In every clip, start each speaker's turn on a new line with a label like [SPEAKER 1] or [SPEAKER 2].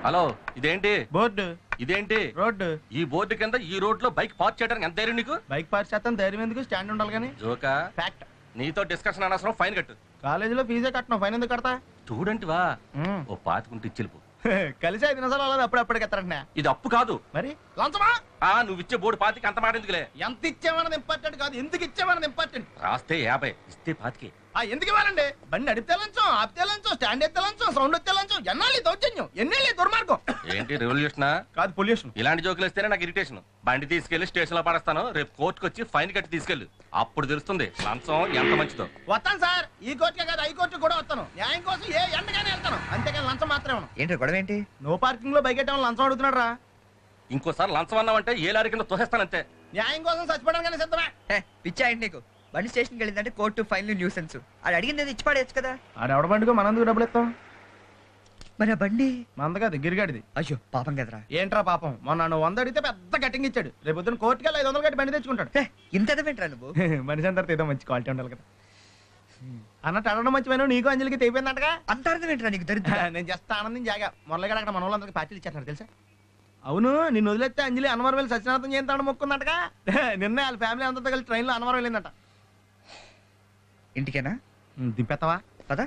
[SPEAKER 1] Hello, ఇదేంటి
[SPEAKER 2] board?
[SPEAKER 1] ఇదేంటి
[SPEAKER 2] road?
[SPEAKER 1] ఈ బోర్డు కింద ఈ రోడ్ లో బైక్ పార్క్ చేయడానికి ఎంత ధైర్యం నీకు?
[SPEAKER 2] బైక్ పార్క్ చేస్తాను, ధైర్యం ఎందుకు? స్టాండ్ ఉండాలి కానీ.
[SPEAKER 1] జోకా?
[SPEAKER 2] ఫ్యాక్ట్.
[SPEAKER 1] నీతో డిస్కషన్ అనవసరం, ఫైన్ కట్టు.
[SPEAKER 2] కాలేజీలో ఫీజే కట్టను, ఫైన్ ఎందుకు కడతా?
[SPEAKER 1] స్టూడెంట్ వా? ఓ పాతికుంటే ఇచ్చిల్పు.
[SPEAKER 2] కలిసి 5 నిమిషాలు అలా అప్పుడప్పుడు ఎత్తారంటే.
[SPEAKER 1] ఇది అప్పు కాదు
[SPEAKER 2] మరి లంచమా?
[SPEAKER 1] నువ్వు ఇచ్చే బోర్డు పాతికి అంత మాట ఎందుకులే.
[SPEAKER 2] ఎంత ఇచ్చామన్నది ఇంపార్టెంట్ కాదు, ఎందుకు ఇచ్చామన్నది ఇంపార్టెంట్.
[SPEAKER 1] రాస్తే 50, ఇస్తే 25.
[SPEAKER 2] ఎందుకు ఇవ్వాలండి? బండి నడిపితే లంచం, ఆపితే లంచం, స్టాండ్ ఎత్తే లంచం, సౌండ్ ఎత్తే లంచం. ఎన్నాళ్ళు దౌర్జన్యం, ఎన్నేళ్ళు దుర్మార్గం.
[SPEAKER 1] ఏంటి రెవల్యూషనా?
[SPEAKER 2] కాదు, పొల్యూషన్.
[SPEAKER 1] ఇలాంటి జోకులు ఇస్తేనే నాకు ఇరిటేషన్. బండి తీసుకెళ్లి స్టేషన్ లో పడేస్తాను, రేపు కోర్టుకు వచ్చి ఫైన్ కట్టి తీసుకెళ్ళు. అప్పుడు తెలుస్తుంది లంచం ఎంత మంచిదో.
[SPEAKER 2] వస్తాను సార్, ఈ కోర్టుకే కాదు హైకోర్టు కూడా వస్తాను. న్యాయం కోసం ఏ ఎండగానే వెళ్తాను, అంతేకాని లంచం మాత్రమే.
[SPEAKER 3] ఏంటి గొడవ ఏంటి?
[SPEAKER 2] నో పార్కింగ్ లో బైక్ ఎట్టడం లంచం అడుగుతున్నాడు రా.
[SPEAKER 1] ఇంకోసారి లంచం అన్నావంటే ఏ లారీ కింద తోసేస్తానంతే.
[SPEAKER 2] న్యాయం కోసం చచ్చిపోవడానికి సిద్ధమే.
[SPEAKER 3] పిచ్చా ఏంటి నీకు? బండి స్టేషన్కి వెళ్ళిందంటే కోర్టు, ఫైన్లు, న్యూసెన్స్. అది అడిగింది ఇచ్చి పడేయచ్చు కదా.
[SPEAKER 2] ఆడెవడ బండికో మనందుకు డబ్బులు ఇస్తాం.
[SPEAKER 3] మరి ఆ బండి
[SPEAKER 2] మంద కాదు, గిరిగాడిది.
[SPEAKER 3] అయ్యో పాపం కదరా.
[SPEAKER 2] ఏంట్రా పాపం? మొన్న 100 అడిగితే పెద్ద కటింగ్ ఇచ్చాడు. రేపు పొద్దున కోర్టుకి 500 కట్టి బండి తెచ్చుకుంటాడు.
[SPEAKER 3] ఇంత ఎదవేంట్రా నువ్వు?
[SPEAKER 2] మనిషి అందరితో ఏదో మంచి క్వాలిటీ ఉండాలి కదా అన్నట్టు. అడగడం మంచిపోయినా నీకు అంజలికి తెగిపోయిందంటగా.
[SPEAKER 3] అంత అర్థమేంట్రా నీకు? దరిద్ర.
[SPEAKER 2] నేను జస్ట్ ఆనందం జాగా మొరలగడ అక్కడ మన వాళ్ళందరికీ పార్టీలు ఇచ్చేస్తున్నారు తెలుసా. అవును, నిన్ను వదిలేస్తే అంజలి అన్నవరం వెళ్ళి సత్యనాథం చేస్తాడు మొక్కుందంటగా. నిన్న వాళ్ళ ఫ్యామిలీ అంతా కలిసి ట్రైన్లో అన్నవరం వెళ్ళిందట.
[SPEAKER 3] ఇంటికేనా?
[SPEAKER 2] దింపెత్తవా?
[SPEAKER 3] పదా.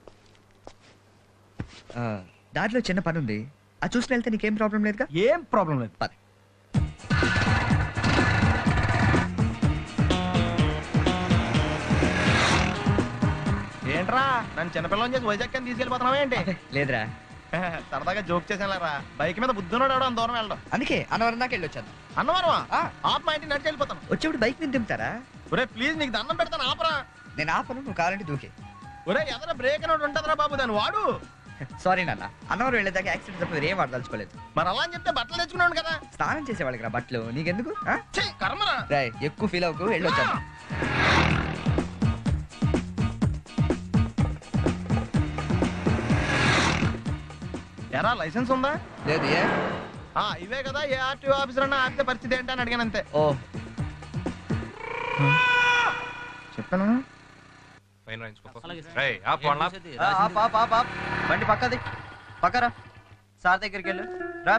[SPEAKER 3] దారిలో చిన్న పని ఉంది, అది చూసి వెళ్తే నీకేం ప్రాబ్లం లేదుగా?
[SPEAKER 2] ఏం ప్రాబ్లం లేదు,
[SPEAKER 3] పద.
[SPEAKER 2] ఏంట్రా నన్ను చిన్నపిల్లని చేసి వైజాగ్ అని తీసుకెళ్ళిపోతున్నావా ఏంటి?
[SPEAKER 3] లేదురా,
[SPEAKER 2] సరదాగా జోక్ చేసానురా. బైక్ మీద బుద్ధున్నాడు ఎవడో దూరం వెళ్ళడం.
[SPEAKER 3] అందుకే అన్నవరం దాకా వెళ్ళొచ్చాను.
[SPEAKER 2] అన్నవరమా? ఆప్ మా ఇంటి నడిచి వెళ్ళిపోతాను.
[SPEAKER 3] వచ్చేప్పుడు బైక్ మీద దింపుతారా?
[SPEAKER 2] ఒరే ప్లీజ్, నీకు దండం పెడతాను, ఆపరా.
[SPEAKER 3] నేను ఆపను, నువ్వు కావాలంటే దూకే.
[SPEAKER 2] ఒరే ఎదర బ్రేక్ అని ఉంటుందిరా బాబు, దాన్ని వాడు.
[SPEAKER 3] సారీ నాన్న, అన్నవరం వెళ్ళేదాకా యాక్సిడెంట్ తప్ప ఏం వాడదలుచుకోలేదు.
[SPEAKER 2] మరి అలా అని చెప్తే బట్టలు తెచ్చుకున్నాను కదా.
[SPEAKER 3] స్నానం చేసేవాళ్ళకి రా బట్టలు, నీకెందుకు?
[SPEAKER 2] కర్మరా.
[SPEAKER 3] ఎక్కువ ఫీల్ అవ్వకు, వెళ్ళొచ్చాను.
[SPEAKER 2] ఎరా లైసెన్స్ ఉందా?
[SPEAKER 3] లేదు. ఏ
[SPEAKER 2] ఇవే కదా, ఏ ఆర్టీఓ ఆఫీసర్ అన్నా ఆపితే పరిస్థితి ఏంటి అని అడిగాను అంతే.
[SPEAKER 3] ఓ
[SPEAKER 2] చెప్పాను.
[SPEAKER 4] బండి పక్కది, పక్కరా. సార్ దగ్గరికి వెళ్ళు రా.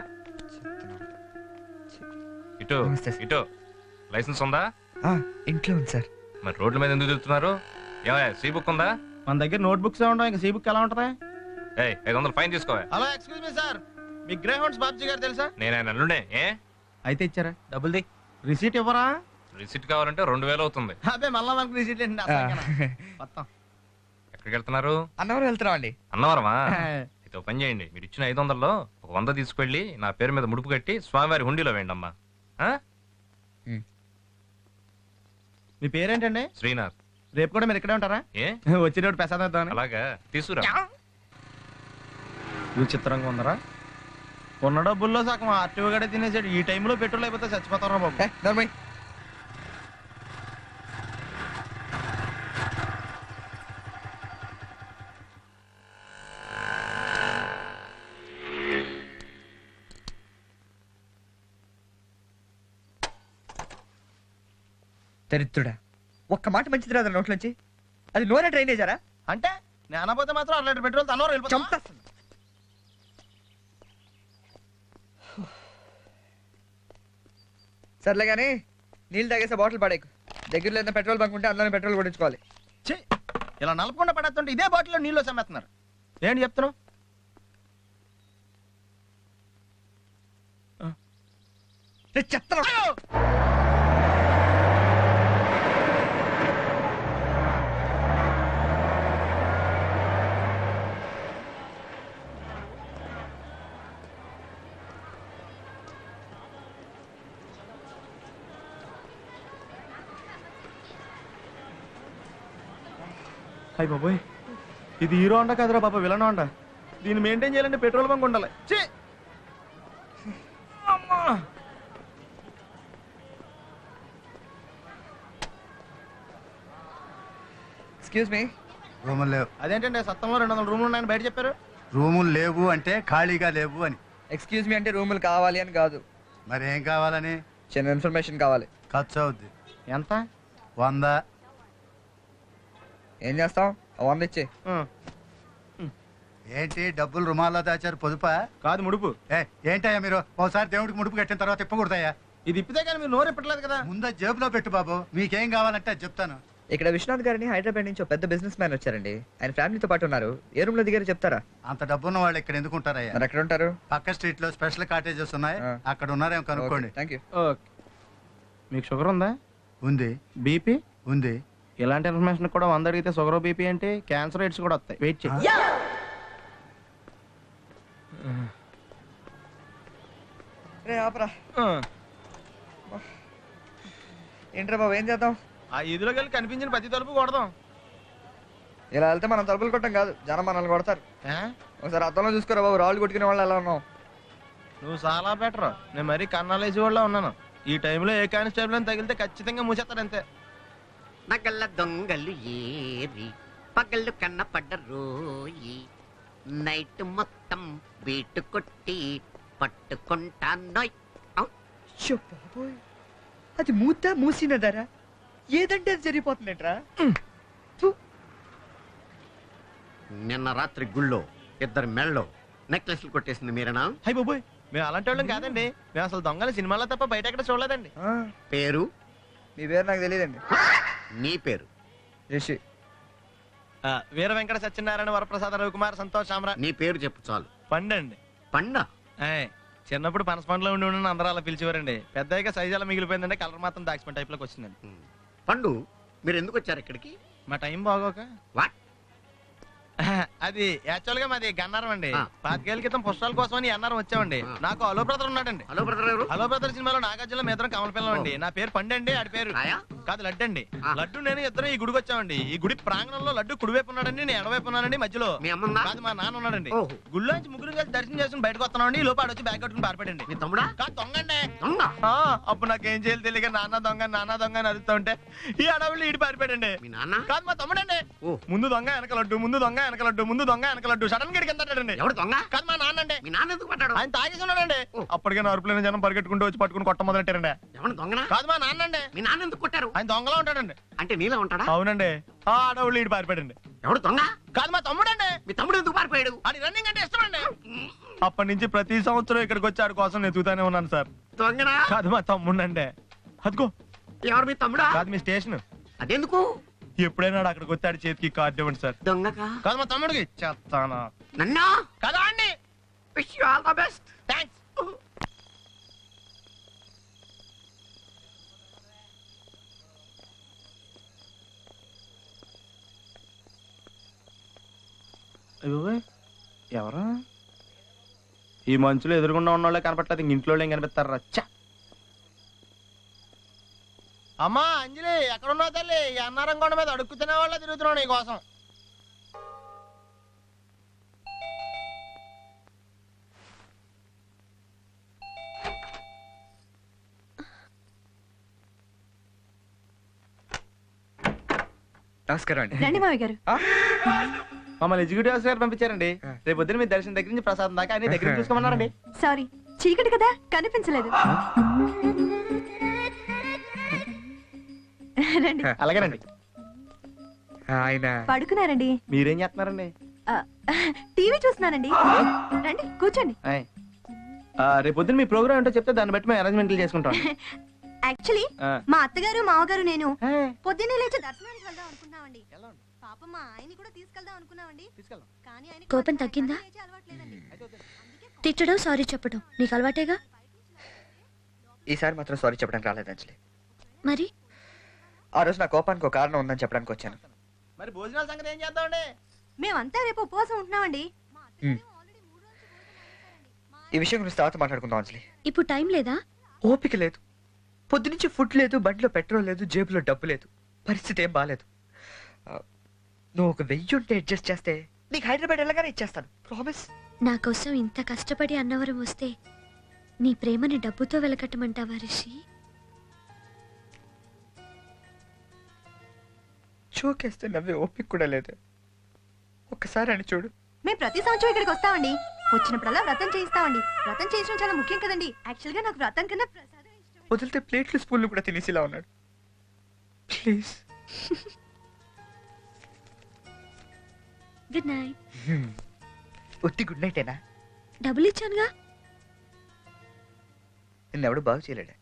[SPEAKER 5] ఇటు ఇటు. లైసెన్స్ ఉందా?
[SPEAKER 3] ఇంట్లో ఉంది సార్.
[SPEAKER 5] మరి రోడ్ల మీద ఎందుకు తిరుగుతున్నారు? ఏమయ్య, సీ బుక్ ఉందా?
[SPEAKER 2] మన దగ్గర నోట్ బుక్స్ ఉండవు, ఇంకా సీ బుక్ ఎలా ఉంటది?
[SPEAKER 5] 500 ఫైన్ తీసుకోవా?
[SPEAKER 2] హలో, ఎక్స్క్యూజ్ మీ సార్, మీ గ్రే హౌండ్స్ బాబ్జీ గారు తెలుసా?
[SPEAKER 5] నేను ఆయన అల్లుడే.
[SPEAKER 2] అయితే ఇచ్చారా?
[SPEAKER 4] డబ్బుల్ది.
[SPEAKER 2] రిసీట్ ఇవ్వరా?
[SPEAKER 5] రిసిట్ కావాలంటే 2000 అవుతుంది.
[SPEAKER 2] అదే మళ్ళా మనకు రిసీట్ ఏంటి? మొత్తం
[SPEAKER 5] ఎక్కడికి వెళ్తున్నారు?
[SPEAKER 3] అన్నవరం వెళ్తున్నాం అండి.
[SPEAKER 5] అన్నవరమా? అయితే ఒక పని చేయండి, మీరు ఇచ్చిన 500లో ఒక 100 తీసుకెళ్ళి నా పేరు మీద ముడుపు కట్టి స్వామివారి హుండీలో వేయండి అమ్మా.
[SPEAKER 2] మీ పేరేంటండి?
[SPEAKER 5] శ్రీనాథ్.
[SPEAKER 2] రేపు కూడా మీరు ఇక్కడే ఉంటారా?
[SPEAKER 5] ఏ
[SPEAKER 2] వచ్చినప్పుడు ప్రసాదం ఇద్దామని.
[SPEAKER 5] అలాగా, తీసుకురా.
[SPEAKER 2] విచిత్రంగా ఉందరా. ఉన్న డబ్బుల్లో సగం ఆర్టీఓ గడే తినేసాడు. ఈ టైంలో పెట్రోల్ అయిపోతే చచ్చిపోతారా బాబు.
[SPEAKER 3] దరిద్రుడా, ఒక్క మాట మంచిది రాదు నోట్లోంచి. అది నూనె డ్రైనేజారా?
[SPEAKER 2] అంటే నేను అనబోతే మాత్రం 1 లీటర్ పెట్రోల్ తనలో
[SPEAKER 3] చంపేస్తాను. సర్లే కానీ నీళ్ళు తాగేసే బాటిల్ పడేకు. దగ్గరలో ఏదైనా పెట్రోల్ బంక్ ఉంటే అందులోనే పెట్రోల్ కొట్టించుకోవాలి.
[SPEAKER 2] ఇలా నలపకుండా పడేస్తుంటే ఇదే బాటిల్లో నీళ్ళు సమ్మేస్తున్నారు. ఏంటి చెప్తున్నావు?
[SPEAKER 3] చెప్తాను.
[SPEAKER 2] అయ్యి బాబోయ్, ఇది హీరో హోండా కదరా బాబా, విలన్ హోండా. దీన్ని మెయింటైన్ చేయాలంటే పెట్రోల్ బంక్ ఉండాలి.
[SPEAKER 3] Excuse me.
[SPEAKER 6] రూములు లేవు.
[SPEAKER 2] అదేంటంటే సత్తంలో 200 రూములు ఉన్నాయని బయట చెప్పారు.
[SPEAKER 6] రూములు లేవు అంటే ఖాళీగా లేవు అని.
[SPEAKER 3] ఎక్స్క్యూజ్ మీ అంటే రూములు కావాలి అని కాదు.
[SPEAKER 6] మరి ఏం కావాలని?
[SPEAKER 3] చిన్న ఇన్ఫర్మేషన్ కావాలి.
[SPEAKER 6] ఖర్చు అవుద్ది.
[SPEAKER 2] ఎంత?
[SPEAKER 6] 100.
[SPEAKER 3] ఏం చేస్తాం? 100 ఇచ్చి.
[SPEAKER 6] ఏంటి డబ్బులు రుమాల్లో దాచారు పొదుపా?
[SPEAKER 2] కాదు ముడుపు.
[SPEAKER 6] ఏంటయ్యా మీరు ఒకసారి దేవుడికి ముడుపు కట్టిన తర్వాత ఇప్పకూడదయ్యా.
[SPEAKER 2] ఇది ఇప్పితే కానీ మీరు నోరు ఇప్పట్లేదు కదా.
[SPEAKER 6] ముందు జేబులో పెట్టు బాబు, మీకేం కావాలంటే అది చెప్తాను.
[SPEAKER 3] ఇక్కడ విశ్వనాథ్ గారిని హైదరాబాద్ నుంచి ఒక పెద్ద బిజినెస్ మ్యాన్ వచ్చారండి. ఆయన ఫ్యామిలీతో పాటు ఉన్నారు. ఏ రూమ్ లో దిగారు చెప్తారా?
[SPEAKER 6] అంత డబ్బున్న వాళ్ళు ఇక్కడ ఎందుకు ఉంటారయ్యా?
[SPEAKER 3] మరి ఎక్కడ ఉంటారు?
[SPEAKER 6] పక్క స్ట్రీట్ లో స్పెషల్ కాటేజెస్ ఉన్నాయి,
[SPEAKER 3] ఆ.
[SPEAKER 6] అక్కడ ఉన్నారేమో కనుక్కోండి.
[SPEAKER 3] Thank you.
[SPEAKER 2] ఓకే. మీకు షుగర్ ఉందా?
[SPEAKER 6] ఉంది
[SPEAKER 2] బీపీ?
[SPEAKER 6] ఉంది.
[SPEAKER 2] ఇలాంటి ఇన్ఫర్మేషన్ కూడా 100 అడిగితే షుగర్ బీపీ అంటే క్యాన్సర్ రేట్స్ కూడా వస్తాయి. వెయిట్ చేయి.
[SPEAKER 3] రే ఆపరా. ఏంట్రా బాబు, ఏం చేద్దాం?
[SPEAKER 2] ఆ ఈదులోకి వెళ్ళి కనిపించిన ప్రతి తలుపు కొడదాం.
[SPEAKER 3] ఇలా వెళ్తే మనం తలుపులు కొట్టం కాదు, జనం మనల్ని కొడతారు.
[SPEAKER 2] ఏ?
[SPEAKER 3] ఒకసారి అద్దంలో చూసుకోరా బాబు, రాళ్ళు కొట్టుకునే వాళ్ళు ఎలా ఉన్నాం.
[SPEAKER 2] నువ్వు చాలా బెటర్. నేను మరీ కన్నాలేసి వాళ్ళ ఉన్నాను. ఈ టైంలో ఏ కానిస్టేబుల్ అని తగిలితే ఖచ్చితంగా మూసేస్తారు అంతే.
[SPEAKER 7] నగల దొంగలు ఏరి పగళ్ళు కన్నపడ్డ రోయి నైట్ మొత్తం బీటు కొట్టి పట్టుకుంటానోయ్.
[SPEAKER 3] అయ్యో బాబోయ్, అది మూసినదరా ఏదంటే అది జరిగిపోతుందేంట్రా.
[SPEAKER 7] నిన్న రాత్రి గుళ్ళో ఇద్దరు మెళ్ళో నెక్లెస్లు కొట్టేసింది మీరేనా?
[SPEAKER 2] హై బాబోయ్, మేము అలాంటి వాళ్ళం కాదండి. మేము అసలు దొంగలు సినిమాలో తప్ప బయట ఎక్కడ చూడలేదండి.
[SPEAKER 7] పేరు?
[SPEAKER 3] మీ పేరు నాకు తెలియదండి.
[SPEAKER 7] నీ పేరు?
[SPEAKER 3] రిషి.
[SPEAKER 2] వీర వెంకట సత్యనారాయణ వరప్రసాద రవికుమార్ సంతోష్ సామ్రా.
[SPEAKER 7] నీ పేరు చెప్పు చాలు.
[SPEAKER 2] పండండి.
[SPEAKER 7] పండ?
[SPEAKER 2] చిన్నప్పుడు పనస పండులో ఉండి అందరూ అలా పిలిచేవారండి. పెద్దగా సైజ్ అలా మిగిలిపోయిందంటే కలర్ మాత్రం దాచిపోయిన టైప్ లోకి వచ్చిందండి.
[SPEAKER 7] పండు, మీరు ఎందుకు వచ్చారు ఇక్కడికి?
[SPEAKER 2] మా టైం బాగోక.
[SPEAKER 7] వాట్?
[SPEAKER 2] అది యాక్చువల్ గా మాది గన్నారం అండి.
[SPEAKER 7] ఆ.
[SPEAKER 2] 5 ఏళ్ల క్రితం పుష్పాల కోసం అని అన్నారం వచ్చామండి.
[SPEAKER 7] ఆ.
[SPEAKER 2] నాకు హలో బ్రదర్ ఉన్నాడండి.
[SPEAKER 7] హలో బ్రదర్ ఎవరు?
[SPEAKER 2] హలో బ్రదర్ సినిమాలో నాగార్జున మేదరం కమల పిల్లం అండి. నా పేరు పండండి, ఆడి పేరు
[SPEAKER 7] రాయా?
[SPEAKER 2] కాదు లడ్డు అండి.
[SPEAKER 7] ఆ.
[SPEAKER 2] లడ్డు నేను ఇద్దరు ఈ గుడికి వచ్చామండి. ఈ గుడి ప్రాంగణంలో లడ్డు కుడివైపు ఉన్నాడండి, నేను ఎడవైపు ఉన్నానండి. మధ్యలో
[SPEAKER 7] మీ అమ్మందా?
[SPEAKER 2] కాదు మా నాన్న ఉన్నాడండి.
[SPEAKER 7] ఓహో.
[SPEAKER 2] గుళ్ళో నుంచి ముగ్గురు కలిసి దర్శనం చేసుకుని బయటకు వస్తున్నామండి. ఈ లోపు ఆడొచ్చి బ్యాగ్ కట్టుకుని పారిపడండి.
[SPEAKER 7] మీ తమ్ముడా?
[SPEAKER 2] కాదు దొంగండి.
[SPEAKER 7] దొంగ?
[SPEAKER 2] అప్పుడు నాకేం చేయాలి తెలియక నాన్న దొంగ అని అరుస్తూ ఉంటే ఈ అడవులు ఈడి పారిపోయాడండి.
[SPEAKER 7] మీ నాన్న?
[SPEAKER 2] కాదు మా తమ్ముడండి.
[SPEAKER 7] ఓ.
[SPEAKER 2] ముందు దొంగ వెనక లడ్డు, ముందు దొంగ వెనక లడ్డు, ముందు దొంగ వెనక లడ్డు. సడన్ గా కిందంటాడండి.
[SPEAKER 7] ఎవడు దొంగ?
[SPEAKER 2] కాదు మా నాన్న అండి.
[SPEAKER 7] మీ నాన్న ఎందుకు పడ్డాడు?
[SPEAKER 2] ఆయన తాగేసి ఉన్నాడండి.
[SPEAKER 7] ఓ.
[SPEAKER 2] అప్పటికే అరుపులైన జనం పరిగెట్టుకుంటూ వచ్చి పట్టుకుని కొట్ట మొదలెట్టారండి.
[SPEAKER 7] ఎవడు దొంగనా?
[SPEAKER 2] కాదు మా నాన్న అండి.
[SPEAKER 7] మీ నాన్న ఎందుకు కొట్టారు?
[SPEAKER 2] ఆయన దొంగలా ఉంటాడండి.
[SPEAKER 7] అంటే నీలా ఉంటాడా?
[SPEAKER 2] అవునండి. ఆ అడవులు ఈడి పారిపోయాడండి.
[SPEAKER 7] ఎవడు దొంగ?
[SPEAKER 2] కాదు మా తమ్ముడండి.
[SPEAKER 7] మీ తమ్ముడు ఎందుకు పారిపోయాడు?
[SPEAKER 2] అది రన్నింగ్ అంటే ఇష్టమండి. అప్పటి నుంచి ప్రతి సంవత్సరం ఇక్కడికి వచ్చి ఆడి కోసం నేను చూతానే ఉన్నాను సార్.
[SPEAKER 7] దొంగనా?
[SPEAKER 2] కాదు మా తమ్ముడండి. అదిగో.
[SPEAKER 7] ఎవరు మీ తమ్ముడా?
[SPEAKER 2] కాదు మీ స్టేషన్.
[SPEAKER 7] అదెందుకు?
[SPEAKER 2] ఎప్పుడైనా అక్కడికి వచ్చి ఆడి చేతికి కార్డు ఇవ్వండి సార్.
[SPEAKER 7] దొంగకా?
[SPEAKER 2] కాదు మా తమ్ముడికి చెప్తానా.
[SPEAKER 7] నన్నా?
[SPEAKER 2] కదా అండి.
[SPEAKER 7] Wish you all the best.
[SPEAKER 2] Thanks. ఎవరా ఈ మంచులో ఎదురుగుండా ఉన్న వాళ్ళే కనపట్లేదు, ఇంట్లో ఏం కనిపిస్తారు రచ్చా. అమ్మా అంజలి, ఎక్కడున్నావు తల్లి? ఈ అన్నారం కొండ మీద అడుక్కు తినే వాళ్ళ తిరుగుతున్నావు నీ కోసం.
[SPEAKER 3] నమస్కారం అండి.
[SPEAKER 8] రండి మావి గారు.
[SPEAKER 2] మమ్మల్ని ఎగ్జిక్యూటివ్ ఆఫీసర్ గారు పంపించారండి. రేపు పొద్దున మీ దర్శనం దగ్గర నుంచి ప్రసాదం దాకా అన్ని దగ్గర చూసుకోమన్నారండి.
[SPEAKER 8] సారీ, చీకటి కదా కనిపించలేదు. రండి.
[SPEAKER 2] అలాగేనండి.
[SPEAKER 3] ఆయన
[SPEAKER 8] పడుకున్నారండి.
[SPEAKER 2] మీరేం చేస్తున్నారండి?
[SPEAKER 8] టీవీ చూస్తున్నానండి. రండి కూర్చోండి.
[SPEAKER 2] రేపు పొద్దున మీ ప్రోగ్రామ్ ఏంటో చెప్తే దాన్ని బట్టి మేము అరేంజ్మెంట్లు చేసుకుంటాం.
[SPEAKER 8] యాక్చువల్లీ
[SPEAKER 2] ఆ.
[SPEAKER 8] మా అత్తగారు మామగారు నేను
[SPEAKER 2] ఏ,
[SPEAKER 8] పొద్దున్నే లేచి దర్శనానికి వెళ్దాం అనుకున్నామండి.
[SPEAKER 2] వెళ్ళండి.
[SPEAKER 8] పాపం మా ఆయన్ని కూడా తీసుకెళ్దాం అనుకున్నామండి.
[SPEAKER 2] తీసుకెళ్దాం.
[SPEAKER 8] కానీ ఆయనకి
[SPEAKER 9] కోపం
[SPEAKER 8] మాత్రం
[SPEAKER 9] తగ్గిందా?
[SPEAKER 8] లేచే అలవాట్లేదండి.
[SPEAKER 9] తిట్టడం సారీ చెప్పడం నీకు అలవాటేగా.
[SPEAKER 3] ఈసారి మాత్రం సారీ చెప్పడానికి రాలేదు అంజలి.
[SPEAKER 9] మరి
[SPEAKER 3] ఆ రోజు నా కోపానికి ఒక కారణం ఉందని చెప్పడానికి వచ్చాను.
[SPEAKER 2] మరి భోజనాల సంగతి ఏం చేద్దామండి?
[SPEAKER 8] మేమంతా రేపు ఉపవాసం ఉంటున్నామండి. మా అత్తగారు ఆల్రెడీ 3 రోజులు భోజనం మానేశారండి.
[SPEAKER 3] ఈ విషయం గురించి తర్వాత మాట్లాడుకుందాం అంజలి.
[SPEAKER 9] ఇప్పుడు టైం లేదా?
[SPEAKER 3] ఓపిక లేదు. పొద్దునుంచి ఫుడ్ లేదు, బండిలో పెట్రోల్ లేదు, జేబులో డబ్బు లేదు. పరిస్థితి ఏం బాలేదు. నువ్వు ఒక 1000 ఉంటే అడ్జస్ట్ చేస్తే నీకు హైదరాబాద్ వెళ్ళగానే ఇచ్చేస్తాను. ప్రామిస్.
[SPEAKER 9] నా కోసం ఇంత కష్టపడి అన్నవరం వస్తే నీ ప్రేమని డబ్బుతో వెలకట్టమంటావా రిషి?
[SPEAKER 3] చూకేస్తే నవ్వే ఓపిక కూడా లేదు. ఒక్కసారి అని చూడు.
[SPEAKER 8] మేము ప్రతి సంవత్సరం ఇక్కడికి వస్తామండి. వచ్చినప్పుడల్లా వ్రతం చేయిస్తామండి. వ్రతం చేయించడం చాలా ముఖ్యం కదండి. యాక్చువల్ గా నాకు వ్రతం కన్నా ప్రసాదం ఇష్టం.
[SPEAKER 3] వదిలితే ప్లేట్లు స్పూన్లు కూడా తినేసిలా ఉన్నాడు. ప్లీజ్.
[SPEAKER 9] Good night.
[SPEAKER 3] ఒత్తి గుడ్ నైటేనా?
[SPEAKER 9] డబ్బులు ఇచ్చానుగా.
[SPEAKER 3] నిన్నెవడు బాగు చేయలేడా?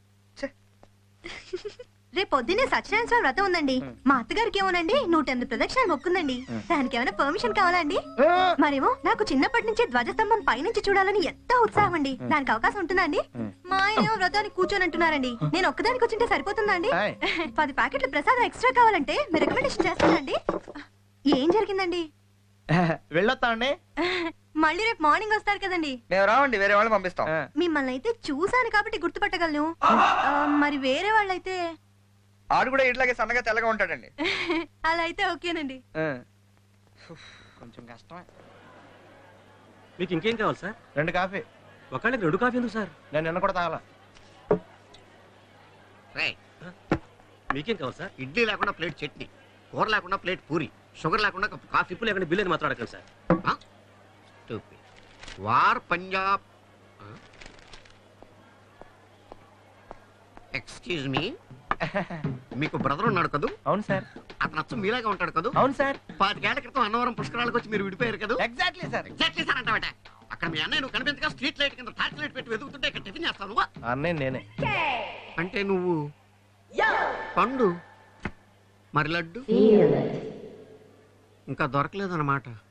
[SPEAKER 8] రేపు పొద్దున్నే సత్యనారాయణ స్వామి వ్రతం ఉందండి. మా అత్తగారికి ఏమోనండి 108 ప్రదక్షిణాలు మొక్కుందండి. దానికి ఏమైనా పర్మిషన్ కావాలా అండి? మరేమో నాకు చిన్నప్పటి నుంచి ధ్వజస్తంభం పైనుంచి చూడాలని ఎంతో ఉత్సాహం అండి. దానికి అవకాశం ఉంటుందా అండి? మా ఆయన ఏమో వ్రతానికి కూర్చొని అంటున్నారండి. నేను ఒక్కదానికి కూర్చుంటే సరిపోతుందా అండి? 10 ప్యాకెట్ల ప్రసాదం ఎక్స్ట్రా కావాలంటే మీరు రికమెండేషన్ చేస్తానండి. ఏం జరిగిందండి?
[SPEAKER 2] వెళ్ళొస్తామండి.
[SPEAKER 8] మళ్ళీ రేపు మార్నింగ్ వస్తారు కదండి.
[SPEAKER 3] మేము రావండి, వేరే వాళ్ళని పంపిస్తాం.
[SPEAKER 8] మిమ్మల్ని అయితే చూసాను కాబట్టి గుర్తుపట్టగలను. మరి వేరే వాళ్ళైతే?
[SPEAKER 3] ఆడు కూడా ఇట్లాగే సన్నగా తెల్లగా ఉంటాడండి.
[SPEAKER 8] అలా అయితే ఓకేనండి.
[SPEAKER 2] కొంచెం కష్టమే.
[SPEAKER 4] మీకు ఇంకేం కావాలి సార్?
[SPEAKER 2] 2 కాఫీ.
[SPEAKER 4] ఒకళ్ళకి 2 కాఫీ ఎందుకు సార్?
[SPEAKER 2] నేను నిన్న కూడా తాగల.
[SPEAKER 7] రేయ్,
[SPEAKER 4] మీకేం కావాలి సార్?
[SPEAKER 7] ఇడ్లీ లేకుండా ప్లేట్ చట్నీ, కూర లేకుండా ప్లేట్ పూరి, షుగర్ లేకుండా కప్పు కాఫీ.
[SPEAKER 4] ఇప్పుడు లేకుండా బిల్ అని మాత్రం అడగండి sir.
[SPEAKER 7] War Punjab. Excuse me, మీకు బ్రదర్ ఉన్నాడు కదూ?
[SPEAKER 2] అవును సార్.
[SPEAKER 7] అతను అచ్చం మీలాగా ఉంటాడు కదూ?
[SPEAKER 2] అవును సార్.
[SPEAKER 7] 5 ఏళ్ల క్రితం అన్నవరం పుష్కరాలకు వచ్చి మీరు విడిపోయారు కదా?
[SPEAKER 2] Exactly sir.
[SPEAKER 7] ఎగ్జాక్ట్లీ సార్ అంటావట. అక్కడ మీ అన్నయ్య నువ్వు కనిపించగా స్ట్రీట్ లైట్ కింద టార్చ్ లైట్ పెట్టి వెతుకుతుంటే ఇక్కడ టిఫిన్ చేస్తావు నువ్వు.
[SPEAKER 2] అన్నయ్య నేనే.
[SPEAKER 7] అంటే నువ్వు పండు, మరి లడ్డు ఇంకా దొరకలేదన్నమాట.